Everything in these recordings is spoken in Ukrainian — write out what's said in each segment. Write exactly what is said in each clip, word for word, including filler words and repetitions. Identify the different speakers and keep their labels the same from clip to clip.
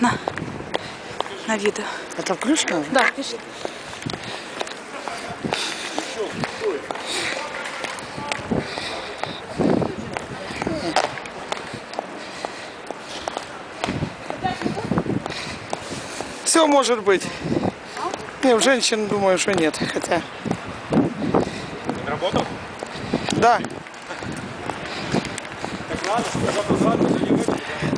Speaker 1: на, на відео.
Speaker 2: А там ключ надо?
Speaker 1: Да, пішли.
Speaker 2: Все может быть. Не, у женщин думаю, что нет. Хотя.
Speaker 3: Работал?
Speaker 2: Да.
Speaker 3: Так ладно, завтра ладно, сегодня выйдем.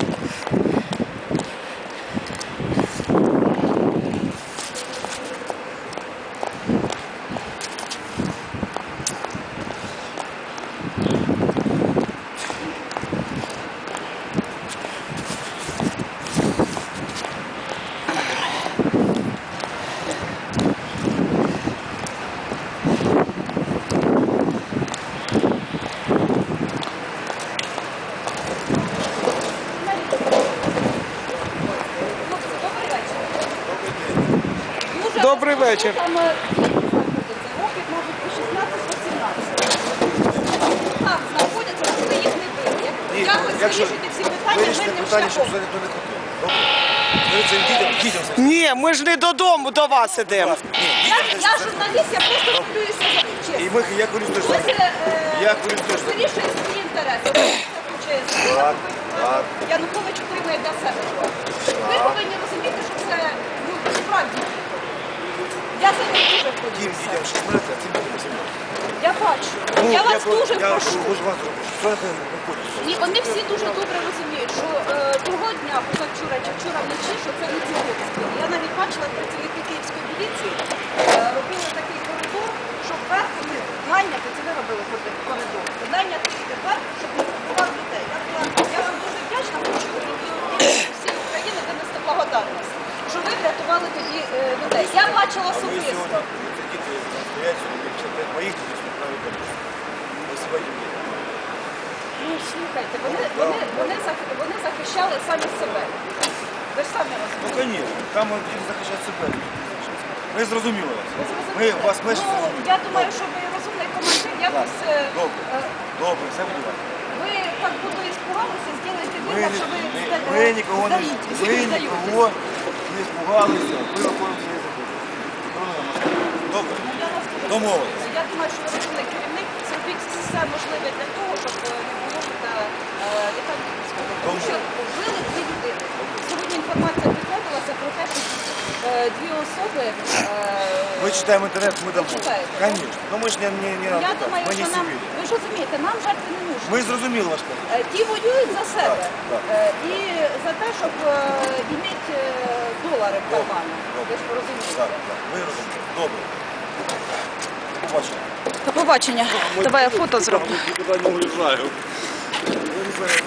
Speaker 2: Добрий вечір.
Speaker 4: Там років, мабуть, по шістнадцять-сімнадцять. Так, знаходяться, коли їх не били. Якось вирішити всі питання
Speaker 5: Вирішити
Speaker 4: мирним
Speaker 5: питання, щоб
Speaker 4: шляхом.
Speaker 5: це ніхто не хотів. Добре? Скажи цим дітям, дітям все.
Speaker 2: Ні, ми ж не додому до вас ідемо.
Speaker 4: Я, я журналіст, я просто хвилююся за
Speaker 5: І
Speaker 4: честь.
Speaker 5: ми, я хвилююсь теж.
Speaker 4: Хтось е,
Speaker 5: Я хвилююсь теж.
Speaker 4: вирішує свої інтереси.
Speaker 5: Так, так.
Speaker 4: Янукович отримує для себе. Ви повинні розуміти, що це ну, справді. Я за них дуже
Speaker 5: Тим
Speaker 4: хвилююся.
Speaker 5: дітям шістнадцять, а цим дітям сімнадцять.
Speaker 4: Я бачу.
Speaker 5: Ну,
Speaker 4: я вас
Speaker 5: про-
Speaker 4: дуже
Speaker 5: я
Speaker 4: прошу.
Speaker 5: дуже вас прошу. Що це не ходить?
Speaker 4: І вони всі дуже добре розуміють, що е, того дня, позавчора чи вчора вночі, що це не ці обстріли. Я навіть бачила працівники Київської міліції е, робили такий коридор, щоб вверх вони найняти, це ви робили коридор, найняти вверх, щоб не забували людей. Я, була, я вам дуже вдячна, хочу всій Україні донести благодарність, що ви врятували тоді е, людей. Я бачила
Speaker 5: А ви
Speaker 4: особисто.
Speaker 5: сьогодні, ці діти стоять сьогодні, п'ятдесят п'ять моїх дітей, сьогодні правильно кажуть. Ми сьогодні є.
Speaker 4: Ну, слухайте, вони, вони, вони, зах- вони захищали самі себе. Ви ж самі
Speaker 5: Ну,
Speaker 4: розумієте.
Speaker 5: звісно, там діти захищають себе. Ми зрозуміли вас.
Speaker 4: Ви
Speaker 5: Ми
Speaker 4: зрозуміли?
Speaker 5: вас менше
Speaker 4: Ну,
Speaker 5: зрозуміли.
Speaker 4: я думаю, що ви розумний командир, якось е,
Speaker 5: Добре.
Speaker 4: е,
Speaker 5: Добре, все буде добре.
Speaker 4: ви так буду іспугалися, зробите
Speaker 5: Ми,
Speaker 4: вигляд, що ви
Speaker 5: ми,
Speaker 4: зда-
Speaker 5: ми нікого не,
Speaker 4: здаєте,
Speaker 5: ми
Speaker 4: здаєте.
Speaker 5: нікого не спугалися. Ми виконуємо свої закони. Добре.
Speaker 4: Ну, я вас дуже
Speaker 5: Домовились.
Speaker 4: прошу. Я думаю, що ви розумний керівник, зробіть все можливе для того, щоб е, не було та літання військового. Тому що вбили дві людини. Сьогодні інформація підтвердилася про те, що е, дві особи... е,
Speaker 5: Ми читаємо інтернет, ми дамо.
Speaker 4: читаєте, так?
Speaker 5: Звісно. Ну ми ж не, не, не
Speaker 4: Я думаю,
Speaker 5: ми не
Speaker 4: що нам,
Speaker 5: сивілі.
Speaker 4: ви ж розумієте, нам жертви не нужні.
Speaker 5: Ми зрозуміли ваш план.
Speaker 4: Е, Ті воюють за себе
Speaker 5: так.
Speaker 4: Е, і за те, щоб мати долари в кармані. Ви ж розумієте.
Speaker 5: Так, так. Ми розуміємо. Добре. До побачення.
Speaker 1: До побачення. Давай я фото зроблю.
Speaker 3: Никуда не уезжаю.